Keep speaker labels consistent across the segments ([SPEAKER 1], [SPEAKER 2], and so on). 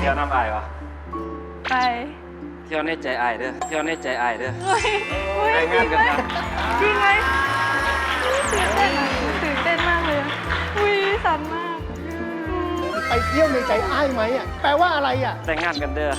[SPEAKER 1] เที่ยวน้ำอายวะ
[SPEAKER 2] ไป
[SPEAKER 1] เที่ยวในใจอายเด้อเที่ยวในใจอายเด้อ
[SPEAKER 2] เฮ้ย
[SPEAKER 1] แต่งงานกันครับ
[SPEAKER 2] จริงไหมตื่นเต้นอะตื่นเต้นมากเลยอะอุ้ยสั่นมาก
[SPEAKER 3] ไปเที่ยวในใจอ้ายไหมอ่ะแปลว่าอะไรอ่ะ
[SPEAKER 1] แต่งงานกันเด้อ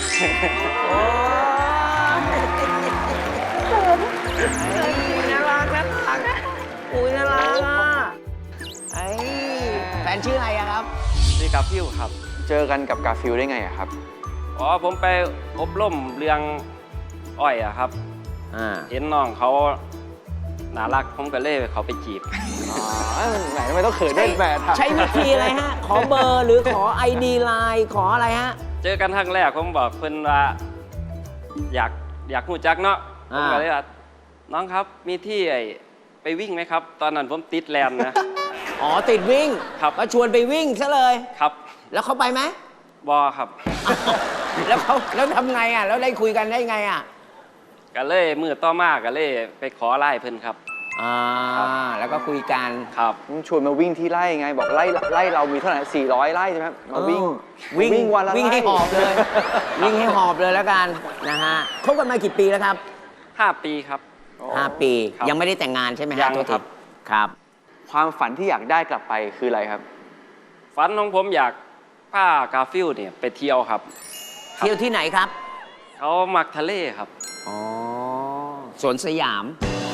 [SPEAKER 4] น่ารักอุ้ยน่ารักอ่ะไอ้แฟนชื่ออะไรอะครับ
[SPEAKER 1] นี่กับฟิวครับ
[SPEAKER 5] เจอกันกับกาฟิลได้ไงอะครับ
[SPEAKER 1] อ๋อผมไปอบรมเรื่องอ้อยอะครับ เห็นน้องเขาน่ารักผมก็เลยเขาไปจีบ
[SPEAKER 5] ไหนทำไมต้องเขินด้วยแหม
[SPEAKER 4] ใช้วิธีอะไรฮะ ขอเบอร์หรือขอ ID ไลน์ขออะไรฮะ
[SPEAKER 1] เจอกันครั้งแรกผมบอกเพิ่นว่าอยากรู้จักเนาะผมก็เลยว่าน้องครับมีที่ไปวิ่งไหมครับ ตอนนั้นผมติดแลนด์นะ
[SPEAKER 4] อ๋อติดวิ่ง
[SPEAKER 1] ครับ
[SPEAKER 4] ก็ชวนไปวิ่งซะเลย
[SPEAKER 1] ครับ
[SPEAKER 4] แล้วเขาไปไหม
[SPEAKER 1] บอครับ
[SPEAKER 4] แล้วทำไงอ่ะ แล้วได้คุยกันได้ไงอ่ะ
[SPEAKER 1] ก็เลยมือต่อมาก็เลยไปขอไล่เพิ่นครับ
[SPEAKER 4] แล้วก็คุยกัน
[SPEAKER 1] ครับ
[SPEAKER 5] ชวนมาวิ่งที่ไร่ไง บอกไร่เรามีเท่าไหร่400 ไร่ใช่ไหมมาวิ่ง
[SPEAKER 4] วิ่ง
[SPEAKER 5] วันละ
[SPEAKER 4] วิ่งให้
[SPEAKER 5] ไร่
[SPEAKER 4] หอบเลย วิ่งให้หอบเลยแล้วกันนะฮะคบกันมากี่ปีแล้วครับ
[SPEAKER 1] 5 ปีครับ
[SPEAKER 4] 5 ปี
[SPEAKER 1] ครับ
[SPEAKER 4] ยังไม่ได้แต่งงานใช่ไหมฮะ
[SPEAKER 1] ยัง
[SPEAKER 4] ตัว
[SPEAKER 1] ครับ
[SPEAKER 4] ครับ
[SPEAKER 5] ความฝันที่อยากได้กลับไปคืออะไรครับ
[SPEAKER 1] ฝันของผมอยากพากาฟิลเนี่ยไปเที่ยวครับ
[SPEAKER 4] เที่ยวที่ไหนครับ
[SPEAKER 1] เขามักทะเลครับ
[SPEAKER 4] อ๋อสวนสยาม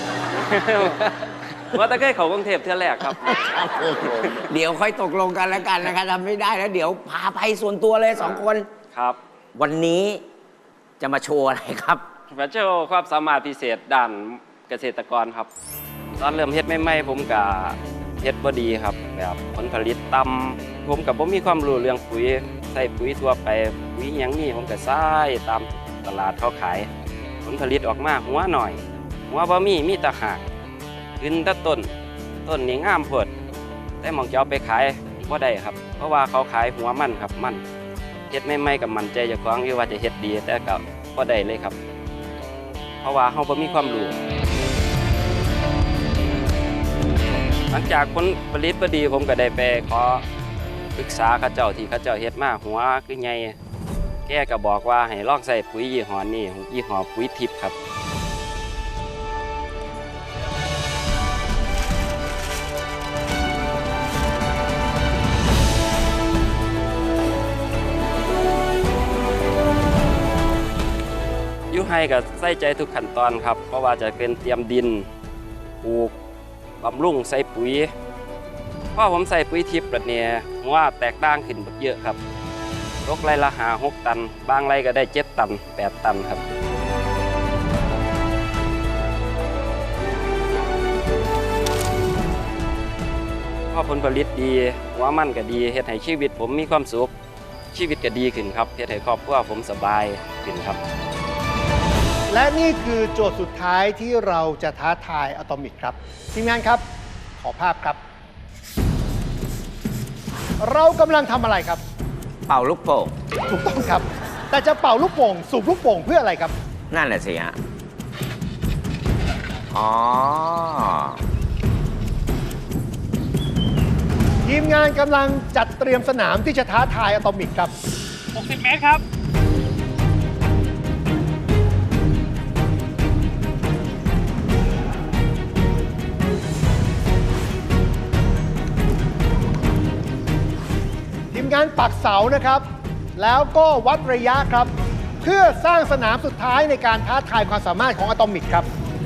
[SPEAKER 1] ว่าแต่เคยเขากรุงเทพเที่ยวแรกครับ
[SPEAKER 4] เดี๋ยวค่อยตกลงกันแล้วกันนะครับทำไม่ได้แล้วเดี๋ยวพาไปส่วนตัวเลย2 คน
[SPEAKER 1] ครับ
[SPEAKER 4] วันนี้จะมาโชว์อะไรครับ
[SPEAKER 1] มาโชว์ความสามารถพิเศษด้านเกษตรกรครับ ตอนเริ่มเฮ็ดใหม่ๆผมก็เฮ็ดบ่ดีครับแบบผลผลิตต่ำผมก็บ่มีความรู้เรื่องปุ๋ยใส่ปุ๋ยทั่วไปปุ๋ยหยังนี่ผมก็ใส่ตามตลาดเขาขาย ผลผลิตออกมาหัวหน่อยหัวบ่มีแต่หากขึ้นแต่ต้นนี่งามโพดแต่หมองจะเอาไปขายบ่ได้ครับ เพราะว่าเขาขายหัวมันครับมันเฮ็ดใหม่ๆกับมันใจเจ้าของอยู่ว่าจะเฮ็ดดีแต่ก็บ่ได้เลยครับ เพราะว่าเขาบ่มีความรู้หลังจากผลผลิตบ่ดีผมก็ได้ไปขอปรึกษาเขาเจ้าที่เขาเจ้าเฮ็ดมาหัวคือใหญ่แกก็บอกว่าให้ลองใส่ปุ๋ยยี่ห้อนี้ยี่ห้อปุ๋ยทิพย์ครับให้กับใส่ใจทุกขั้นตอนครับเพราะว่าจะเป็นเตรียมดินปลูกบำรุงใส่ปุ๋ยเพราะผมใส่ปุ๋ยทิพย์แบบนี้ว่าแตกต่างขึ้นเยอะครับตกไรละ6 ตันบางไรก็ได้7 ตัน8 ตันครับเพราะผลผลิตดีหัวมันก็ดีเฮ็ดให้ชีวิตผมมีความสุขชีวิตก็ดีขึ้นครับเฮ็ดให้ครอบครัวผมสบายขึ้นครับ
[SPEAKER 3] และนี่คือโจทย์สุดท้ายที่เราจะท้าทายอะตอมิกครับทีมงานครับขอภาพครับ เรากำลังทำอะไรครับ
[SPEAKER 4] เป่าลูกโป่ง
[SPEAKER 3] ถูกต้องครับ แต่จะเป่าลูกโป่งสูบลูกโป่งเพื่ออะไรครับ
[SPEAKER 4] นั่นแหละสิฮะอ๋อ
[SPEAKER 3] ทีมงานกำลังจัดเตรียมสนามที่จะท้าทายอะตอมิกครับ
[SPEAKER 1] 60 เมตรครับ
[SPEAKER 3] ทีมงานปักเสานะครับ แล้วก็วัดระยะครับ เพื่อสร้างสนามสุดท้ายในการท้าทายความสามารถของอะตอมิกครับ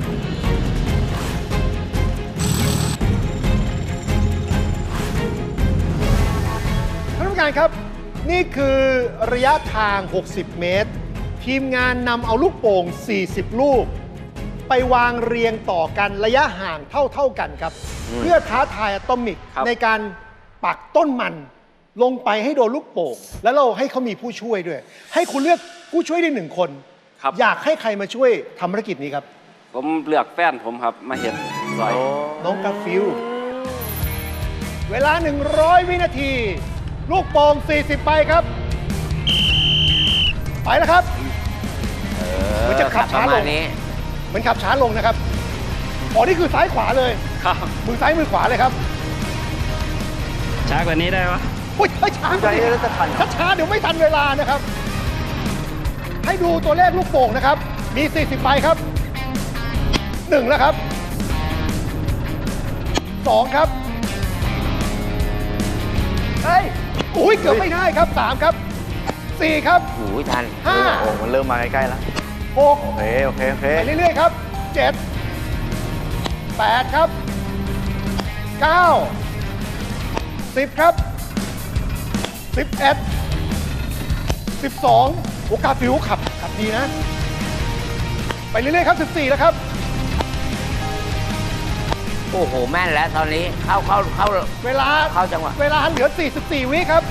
[SPEAKER 3] ท่านผู้การครับ นี่คือระยะทาง 60 เมตร ทีมงานนำเอาลูกโป่ง 40 ลูก ไปวางเรียงต่อกันระยะห่างเท่ากันครับ เพื่อท้าทายอะตอมิกในการปักต้นมันลงไปให้โดนลูกโป่งแล้วเราให้เขามีผู้ช่วยด้วย ให้คุณเลือกผู้ช่วยได้1 คน
[SPEAKER 1] ครับ
[SPEAKER 3] อยากให้ใครมาช่วยทำภารกิจนี้ครับ
[SPEAKER 1] ผมเลือกแฟนผมครับมาเห็นซอย
[SPEAKER 3] น้องกาฟิลเวลา 100 วินาที ลูกโป่ง 40 ไปครับ ไปแล้วครับมันจะขับช้าลงเหมือนขับช้าลงนะครับอ๋อนี่คือซ้ายขวาเลย
[SPEAKER 1] ครับ
[SPEAKER 3] มือซ้ายมือขวาเลยครับ
[SPEAKER 1] ช้ากว่านี้ได้ปะ
[SPEAKER 3] อุ้ยช้า
[SPEAKER 5] ใจแล้วจะทัน
[SPEAKER 3] ช้าเดี๋ยวไม่ทันเวลานะครับ ให้ดูตัวเลขลูกโป่งนะครับ มี 40 ใบครับ 1 แล้วครับ 2 ครับ
[SPEAKER 5] เฮ้ย
[SPEAKER 3] อุ้ยเกือบไม่ได้ครับ 3 ครับ 4 ครับ
[SPEAKER 5] โอ้ยทัน
[SPEAKER 3] ห้า
[SPEAKER 5] โอ้มันเริ่มมาใกล้ๆแล้ว
[SPEAKER 3] 6
[SPEAKER 5] โอเคโอเคโอเค
[SPEAKER 3] ไปเรื่อยๆครับ 7 8 ครับ 9 10 ครับ 11 12 โอกาฟิวขับดีนะ ไปเรื่อยๆครับ 14 แล้วครับ
[SPEAKER 4] โอ้โห แม่นแล้วตอนนี้เข้า
[SPEAKER 3] เวลา
[SPEAKER 4] เข้าจังหวะ
[SPEAKER 3] เวลาเหลือ 44 วิครับ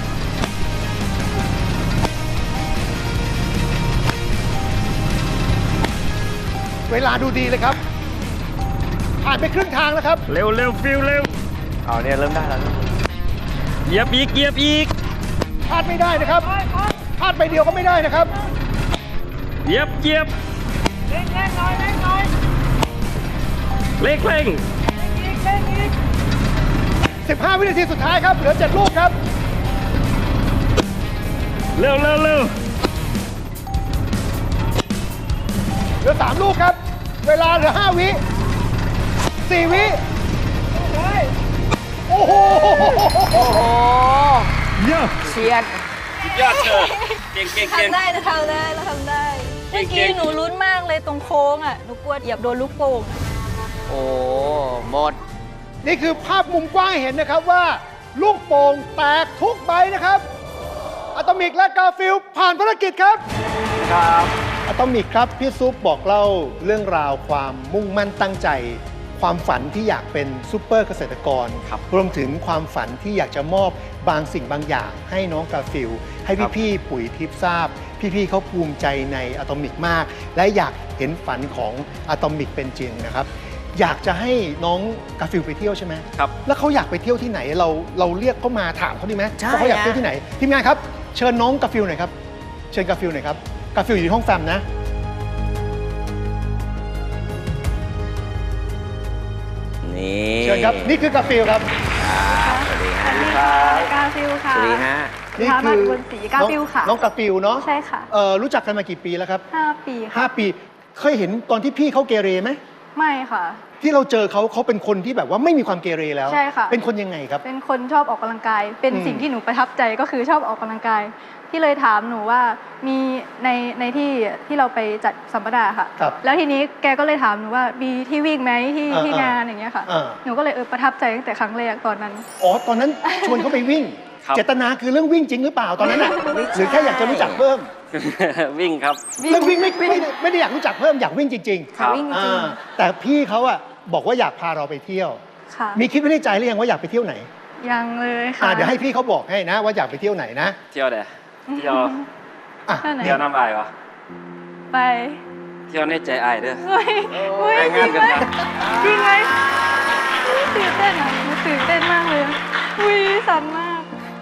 [SPEAKER 3] เวลาดูดีเลยครับ ผ่านไปครึ่งทางแล้วครับ
[SPEAKER 1] เร็วเร็วฟิลเร็ว
[SPEAKER 5] เอาเนี่ยเริ่มได้แล้ว
[SPEAKER 1] เหยียบอีกเหยียบอีก
[SPEAKER 3] พลาดไม่ได้นะครับ พลาดไปเดียวก็ไม่ได้นะครับ
[SPEAKER 1] เหยียบเหยียบเร่งหน่อยเร่งหน่อยเร่ง
[SPEAKER 3] 15 วินาทีสุดท้ายครับ เหลือ 7 ลูกครับ
[SPEAKER 1] เร็วเร็วเร็ว
[SPEAKER 3] เหลือ 3 ลูกครับ เวลาเหลือ 5 วิ 4 วิ โอ้โห
[SPEAKER 4] โอ้โห
[SPEAKER 1] เยี่ยม
[SPEAKER 4] เฉียด
[SPEAKER 1] ยอดเธอเก่งเก่งเก่ง
[SPEAKER 2] ทำได้เราทำได้เราทำได้
[SPEAKER 1] เก่
[SPEAKER 2] เมื่
[SPEAKER 1] ง
[SPEAKER 2] อกี้หนูลุ้นมากเลยตรงโค้งอ่ะ หนูกลัวเหยียบโดนลูกโป่ง
[SPEAKER 4] โอ้หมด
[SPEAKER 3] นี่คือภาพมุมกว้างให้เห็นนะครับว่า ลูกโป่งแตกทุกใบนะครับ อะตอมิกและกาฟิลผ่านภารกิจครับ
[SPEAKER 5] ครับ
[SPEAKER 3] อะตอมิกครับ พี่ซุปบอกเล่าเรื่องราวความมุ่งมั่นตั้งใจ ความฝันที่อยากเป็นซูเปอร์เกษตรกร
[SPEAKER 1] ครับ
[SPEAKER 3] รวมถึงความฝันที่อยากจะมอบบางสิ่งบางอย่างให้น้องกาฟิลให้พี่ๆปุ๋ยทิพย์ทราบ พี่ๆเขาภูมิใจในอะตอมิกมาก และอยากเห็นฝันของอะตอมิกเป็นจริงนะครับ อยากจะให้น้องกาฟิลไปเที่ยวใช่ไหม
[SPEAKER 1] ครับ
[SPEAKER 3] แล้วเขาอยากไปเที่ยวที่ไหนเราเรียกเขามาถามเขาดีไหม
[SPEAKER 4] ใช่
[SPEAKER 3] ว่าเขาอยาก
[SPEAKER 4] อะ
[SPEAKER 3] เที่ยวที่ไหนทีมงานครับเชิญน้องกาฟิลหน่อยครับเชิญกาฟิลหน่อยครับกาฟิลอยู่ที่ห้องแฟมนะ
[SPEAKER 4] นี่
[SPEAKER 3] เชิญครับนี่คือกาฟิลครับ
[SPEAKER 4] สวัสดีฮะ
[SPEAKER 2] กาฟิลค่ะ
[SPEAKER 4] สวัสดีฮะ
[SPEAKER 3] นี่
[SPEAKER 2] ค่ะ
[SPEAKER 3] คื
[SPEAKER 2] มาบนสีกาฟิลค่ะ
[SPEAKER 3] น้องกาฟิลเนาะ
[SPEAKER 2] ใช่ค่ะ
[SPEAKER 3] รู้จักกันมากี่ปีแล้วครับ
[SPEAKER 2] 5 ปีค่ะ
[SPEAKER 3] 5 ปีเคยเห็นตอนที่พี่เขาเกเรไหม
[SPEAKER 2] ไม่ค่ะ
[SPEAKER 3] ที่เราเจอเขาเป็นคนที่แบบว่าไม่มีความเกเรแล้ว
[SPEAKER 2] ใช่ค่ะ
[SPEAKER 3] เป็นคนยังไงครับ
[SPEAKER 2] เป็นคนชอบออกกำลังกาย เป็น
[SPEAKER 3] อืม
[SPEAKER 2] สิ่งที่หนูประทับใจก็คือชอบออกกำลังกาย ที่เลยถามหนูว่ามีในที่เราไปจัดสัมมนาค่ะ
[SPEAKER 3] ครับ
[SPEAKER 2] แล้วทีนี้แกก็เลยถามหนูว่ามีที่วิ่งไหมที่
[SPEAKER 3] อ่า
[SPEAKER 2] ที่งานอย่างเงี้ยค่ะ
[SPEAKER 3] อ่า
[SPEAKER 2] หนูก็เลยประทับใจตั้งแต่ครั้งแรกตอนนั้น
[SPEAKER 3] อ๋อตอนนั้นชวนเขาไปวิ่ง
[SPEAKER 1] ครับ
[SPEAKER 3] เจตนาคือเรื่องวิ่งจริงหรือเปล่าตอนนั้นน่ะ
[SPEAKER 4] ไม่ใช่
[SPEAKER 3] หรือแค่อยากจะรู้จักเพิ่ม
[SPEAKER 1] วิ่งครับ
[SPEAKER 3] เรื่องวิ่งไม่ได้อยากรู้จักเพิ่มอยากวิ่งจริง
[SPEAKER 1] ครับ
[SPEAKER 2] วิ่ง
[SPEAKER 3] ๆ
[SPEAKER 2] จริง
[SPEAKER 3] แต่พี่เขาอะบอกว่าอยากพาเราไปเที่ยว
[SPEAKER 2] ค่ะ
[SPEAKER 3] มีคิดไว้ในใจหรือยังว่าอยากไปเที่ยวไหน
[SPEAKER 2] ยังเลยค่ะ
[SPEAKER 3] เดี๋ยวให้พี่เขาบอกให้นะว่าอยากไปเที่ยวไหนนะ
[SPEAKER 1] เที่ยวเด้อเที่ยว
[SPEAKER 3] อ่ะ
[SPEAKER 2] เที่ยวไหน
[SPEAKER 1] เที่ยวน้ำอายเหรอ
[SPEAKER 2] ไป
[SPEAKER 1] เที่ยวในใจอายเด้อ
[SPEAKER 2] เฮ้ยเฮ้ย
[SPEAKER 1] แต่ง
[SPEAKER 2] จริ
[SPEAKER 1] งาน
[SPEAKER 2] ง
[SPEAKER 1] กั
[SPEAKER 2] ไห
[SPEAKER 1] น
[SPEAKER 2] ม
[SPEAKER 1] นะ
[SPEAKER 2] จริงไหมตื่นเต้นอ่ะหนูตื่นเต้นมากเลยอุ้ยสั่นมาก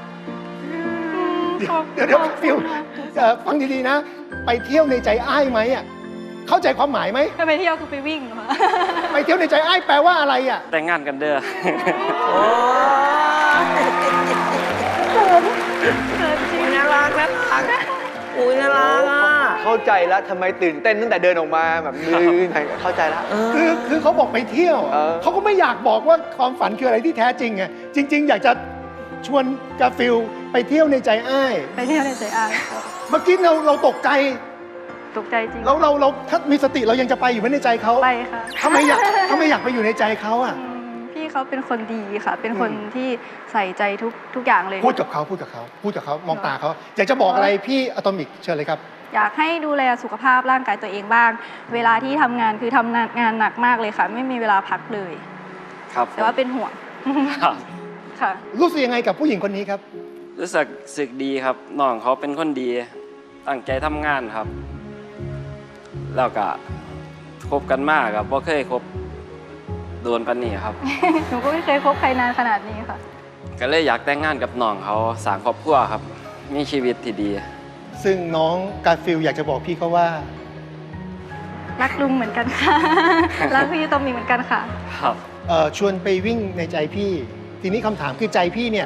[SPEAKER 3] เดี๋ยวฟิวฟังดีๆนะ ไปเที่ยวในใจอ้ายไหมอ่ะเข้าใจความหมายไหม
[SPEAKER 2] ถ้าไปเที่ยวคือไปวิ่งเหรอ
[SPEAKER 3] ไปเที่ยวในใจอ้ายแปลว่าอะไรอ่ะ
[SPEAKER 1] แต่งงานกันเด้อ
[SPEAKER 4] โอ้ย
[SPEAKER 2] เขินจริง
[SPEAKER 4] น่ารักอุ้ยน่ารักอ่ะ
[SPEAKER 5] เข้าใจแล้วทำไมตื่นเต้นตั้งแต่เดินออกมาแบบมือเข้าใจแล้ว
[SPEAKER 3] คือเขาบอกไปเที่ยว เขาก็ไม่อยากบอกว่าความฝันคืออะไรที่แท้จริงไงจริง ๆ อยากจะชวนกาฟิลไปเที่ยวในใจอ้าย
[SPEAKER 2] ไปเที่ยวในใจอาย
[SPEAKER 3] เมื่อกี้เราตกใจ
[SPEAKER 2] ตกใจจริง
[SPEAKER 3] เราถ้ามีสติเรายังจะไปอยู่ไหมในใจเขา
[SPEAKER 2] ไปค่ะ
[SPEAKER 3] ทำไมอยากไปอยู่ในใจเขาอ่ะ
[SPEAKER 2] พี่เขาเป็นคนดีค่ะ เป็นคนที่ใส่ใจทุกอย่างเลย
[SPEAKER 3] พูดกับเขามองตาเขาอยากจะบอกอะไรพี่อะตอมิกเชิญเลยครับ
[SPEAKER 2] อยากให้ดูแลสุขภาพร่างกายตัวเองบ้าง เวลาที่ทำงานคือทำงานหนักมากเลยค่ะ ไม่มีเวลาพักเลย
[SPEAKER 1] ครับ
[SPEAKER 2] แต่ว่าเป็นห่วง
[SPEAKER 1] ครับ
[SPEAKER 2] ค่ะ
[SPEAKER 3] รู้สึกยังไงกับผู้หญิงคนนี้ครับ
[SPEAKER 1] รู้สึกดีครับน้องเขาเป็นคนดี ตั้งใจทำงานครับ แล้วก็คบกันมากครับเพราะเคยคบโดนปันนี่ครับ
[SPEAKER 2] หนูก็ไม่เคยคบใครนานขนาดนี้ค่ะ
[SPEAKER 1] ก็เลยอยากแต่งงานกับน้องเขาสร้างครอบครัวครับ มีชีวิตที่ดี
[SPEAKER 3] ซึ่งน้องกาฟิลอยากจะบอกพี่เขาว่า
[SPEAKER 2] รักลุงเหมือนกันค่ะ รักพี่ตอมมี่เหมือนกันค่ะ
[SPEAKER 1] ครับ
[SPEAKER 3] ชวนไปวิ่งในใจพี่ ทีนี้คำถามคือใจพี่เนี่ย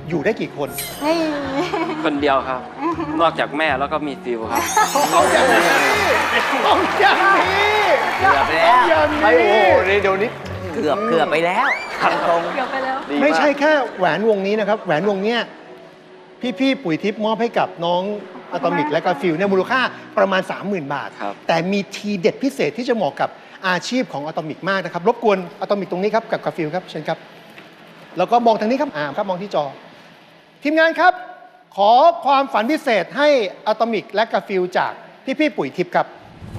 [SPEAKER 3] อยู่ได้กี่คน
[SPEAKER 2] นี่
[SPEAKER 1] คนเดียวครับ นอกจากแม่แล้วก็มีฟิวครับ
[SPEAKER 3] ต้องอย่างนี้ต้องอย่างนี้
[SPEAKER 4] เกือบไปแล้ว
[SPEAKER 3] อย่าง
[SPEAKER 5] ไม่โอ้
[SPEAKER 3] นี้
[SPEAKER 5] โหเดี๋ยวนี้
[SPEAKER 4] เกือบไปแล้วตรง
[SPEAKER 2] เกือบไปแล้ว
[SPEAKER 5] ดีาก
[SPEAKER 3] ไม่ใช่แค่แหวนวงนี้นะครับ แหวนวงเนี้ยพี่ปุ๋ยทิพย์มอบให้กับน้องอะตอมิกและกาฟิลเนี่ยมูลค่าประมาณ 30,000 บาท
[SPEAKER 1] ครับ
[SPEAKER 3] แต่มีทีเด็ดพิเศษที่จะเหมาะกับอาชีพของอะตอมิกมากนะครับ รบกวนอะตอมิกตรงนี้ครับกับกาฟิลครับเชิญครับ แล้วก็มองทางนี้ครับครับมองที่จอ ทีมงานครับ ขอความฝันพิเศษให้อะตอมิกและกาฟิลจากพี่ปุ๋ยทิพย์ครับ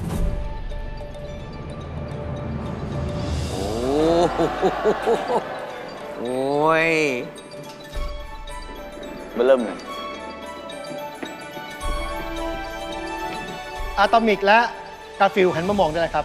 [SPEAKER 4] โอ้โหโอ้ย
[SPEAKER 5] มาเริ่มเลย
[SPEAKER 3] อะตอมิกและกาฟิลหันมามองได้เลยครับ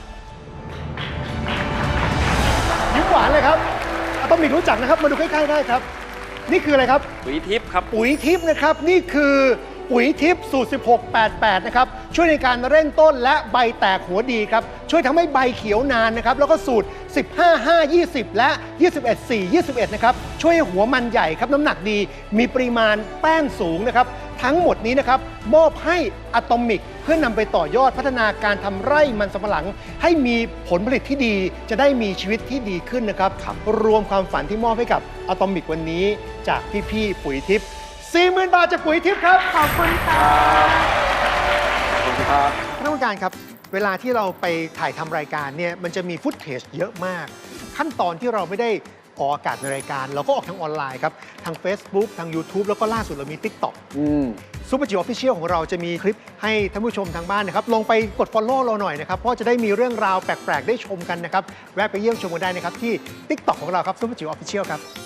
[SPEAKER 3] ยิ้มหวานเลยครับอะตอมิกรู้จักนะครับ มาดูใกล้ๆได้ครับ นี่คืออะไรครับ
[SPEAKER 1] ปุ๋ยทิพย์ครับ
[SPEAKER 3] ปุ๋ยทิพย์นะครับ นี่คือปุ๋ยทิพย์สูตร 1688 นะครับ ช่วยในการเร่งต้นและใบแตกหัวดีครับ ช่วยทำให้ใบเขียวนานนะครับ แล้วก็สูตร 15-5-20 และ 21-4-21 นะครับ ช่วยให้หัวมันใหญ่ครับ น้ำหนักดี มีปริมาณแป้งสูงนะครับ ทั้งหมดนี้นะครับ มอบให้อะตอมิกเพื่อนำไปต่อยอดพัฒนาการทำไร่มันสำปะหลัง ให้มีผลผลิตที่ดี จะได้มีชีวิตที่ดีขึ้นนะครับ รวมความฝันที่มอบให้กับอะตอมิกวันนี้จากพี่ๆปุ๋ยทิพย์ 40,000 บาทจากปุ๋ยทิพย์ครับ
[SPEAKER 2] ขอบคุณค่ะ
[SPEAKER 5] ขอบคุณครับ
[SPEAKER 3] ท่านผู้การครับ เวลาที่เราไปถ่ายทำรายการเนี่ยมันจะมีฟุตเทจเยอะมาก ขั้นตอนที่เราไม่ได้ออกอากาศในรายการ เราก็ออกทางออนไลน์ครับ ทาง Facebook ทาง YouTube แล้วก็ล่าสุดเรามี TikTok ซูเปอร์จิ๋วออฟฟิเชียลของเราจะมีคลิปให้ท่านผู้ชมทางบ้านนะครับ ลงไปกด Follow เราหน่อยนะครับ เพราะจะได้มีเรื่องราวแปลก ๆ ได้ชมกันนะครับ แวะไปเยี่ยมชมกันได้นะครับ ที่ TikTok ของเราครับซูเปอร์จิ๋วออฟฟิเชียลครับ